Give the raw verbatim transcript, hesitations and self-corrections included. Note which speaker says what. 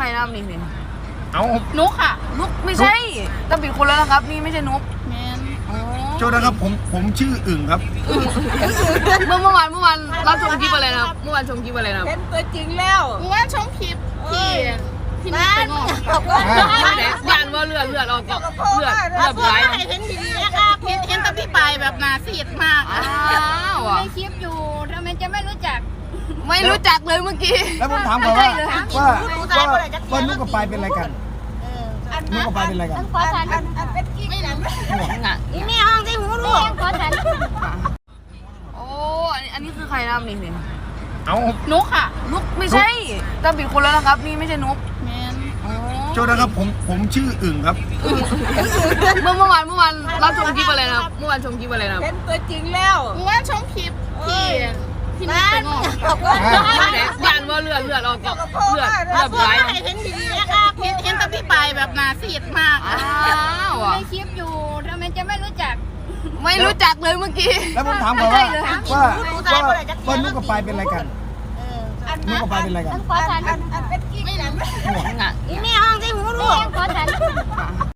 Speaker 1: นะครับนี่นี่
Speaker 2: เอา
Speaker 3: นุกค่ะ
Speaker 1: นุกไม่ใช่ต้องปิดคนแล้วนะครับนี่ไม่ใช่นุก
Speaker 3: แมน
Speaker 2: โทษนะครับผมผมชื่ออึ่งครับ
Speaker 1: เมื่อเมื่อวานเมื่อวานเราชมคลิปอะไรนะครับเมื่อวานชมคลิปอะไรนะครับ
Speaker 4: เป็นตัวจริงแล้ว
Speaker 3: มึงว่าช่องคลิปที่ที่นี่เป็นงอก
Speaker 4: บอกว่า
Speaker 1: ยานว่าเลือดเลือดออกก็เลือดเลือด
Speaker 3: พวก
Speaker 1: ไหล
Speaker 3: ไอ้เห็นดีๆนะครับเห็นเห็นแตะพี่ไปแบบหนาซีดมาก
Speaker 1: อ้าวอ่ะ
Speaker 3: ในคลิปอยู่ทำไมจะไม่รู้จัก
Speaker 1: ไม่รู้จักเลยเมื่อกี้
Speaker 2: แล้วผมถามก่อนว่าว่าว่าว่านุกกับปายเป็นอะไรกัน
Speaker 4: อัน
Speaker 2: นุกกับปายเป็นอะไรกัน
Speaker 4: ขอทันอันอันเป็นกิ๊กกัน
Speaker 1: อ่ะ
Speaker 3: อีนี่ห้องที่หูลูกขอฉัน
Speaker 1: โอ้อันนี้อันนี้คือใครนะครับนี่นี่
Speaker 2: เอา
Speaker 3: นุกค่ะ
Speaker 1: นุกไม่ใช่ต้องปิดคนแล้วนะครับนี่ไม่ใช่นุก
Speaker 3: แมน
Speaker 2: โทษนะครับผมผมชื่ออึ่งครับ
Speaker 1: เมื่อเมื่อวานเมื่อวานเราชมคลิปอะไรนะครับเมื่อวานชมคลิปอะไรนะครับ
Speaker 4: เป็นตัวจริงแล้ว
Speaker 3: มึงว่าช่องคลิปที่ที่นี่เป็นงอก
Speaker 4: บอกว่า
Speaker 1: ยานว่าเลือดเลือดออกก็เลือดเลือด
Speaker 3: พว
Speaker 1: ไหล
Speaker 3: กไอ้เห็นดีๆนะครับเห็นเห็นแตะพี่ไปแบบหนาซีดมาก
Speaker 1: อ้าวอ่ะ
Speaker 3: ในคลิปอยู่ทำไมจะไม่รู้จัก
Speaker 1: ไม่รู้จักเลยเมื่อกี้
Speaker 2: แล้วผมถามก่อนว่าว่าว่าว่านุกกับปายเป็นอะไรกัน
Speaker 4: อัน
Speaker 2: นุกกับปายเป็นอะไรกัน
Speaker 3: ขอฉัน
Speaker 4: อันอันเป็นกิ๊กกัน
Speaker 1: อ่ะ
Speaker 3: อีนี่ห้องที่หูลูกขอฉัน